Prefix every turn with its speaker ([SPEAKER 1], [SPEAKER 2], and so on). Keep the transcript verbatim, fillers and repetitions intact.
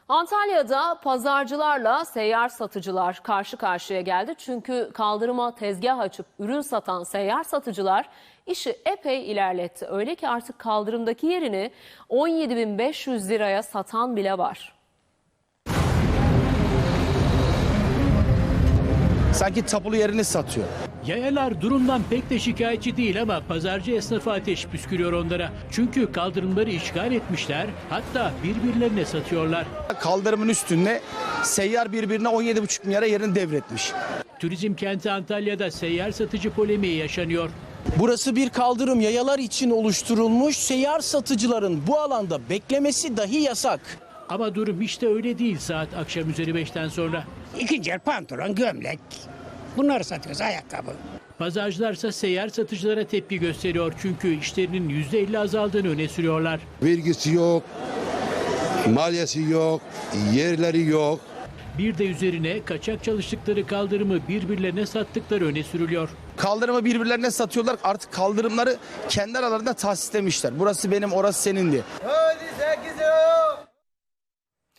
[SPEAKER 1] Antalya'da pazarcılarla seyyar satıcılar karşı karşıya geldi. Çünkü kaldırıma tezgah açıp ürün satan seyyar satıcılar işi epey ilerletti. Öyle ki artık kaldırımdaki yerini on yedi bin beş yüz liraya satan bile var.
[SPEAKER 2] Sanki tapulu yerini satıyor.
[SPEAKER 3] Yayalar durumdan pek de şikayetçi değil ama pazarcı esnafı ateş püskürüyor onlara. Çünkü kaldırımları işgal etmişler, hatta birbirlerine satıyorlar.
[SPEAKER 2] Kaldırımın üstünde seyyar birbirine on yedi buçuk milyara yerini devretmiş.
[SPEAKER 3] Turizm kenti Antalya'da seyyar satıcı polemiği yaşanıyor.
[SPEAKER 4] Burası bir kaldırım, yayalar için oluşturulmuş. Seyyar satıcıların bu alanda beklemesi dahi yasak.
[SPEAKER 3] Ama durum işte öyle değil saat akşam üzeri beşten sonra.
[SPEAKER 5] İkinci el pantolon, gömlek. Bunları satıyoruz, ayakkabı.
[SPEAKER 3] Pazarcılarsa seyyar satıcılara tepki gösteriyor çünkü işlerinin yüzde elli azaldığını öne sürüyorlar.
[SPEAKER 6] Vergisi yok, maliyesi yok, yerleri yok.
[SPEAKER 3] Bir de üzerine kaçak çalıştıkları kaldırımı birbirlerine sattıkları öne sürülüyor.
[SPEAKER 2] Kaldırımı birbirlerine satıyorlar. Artık kaldırımları kendi aralarında tahsislemişler. Burası benim, orası senin diye.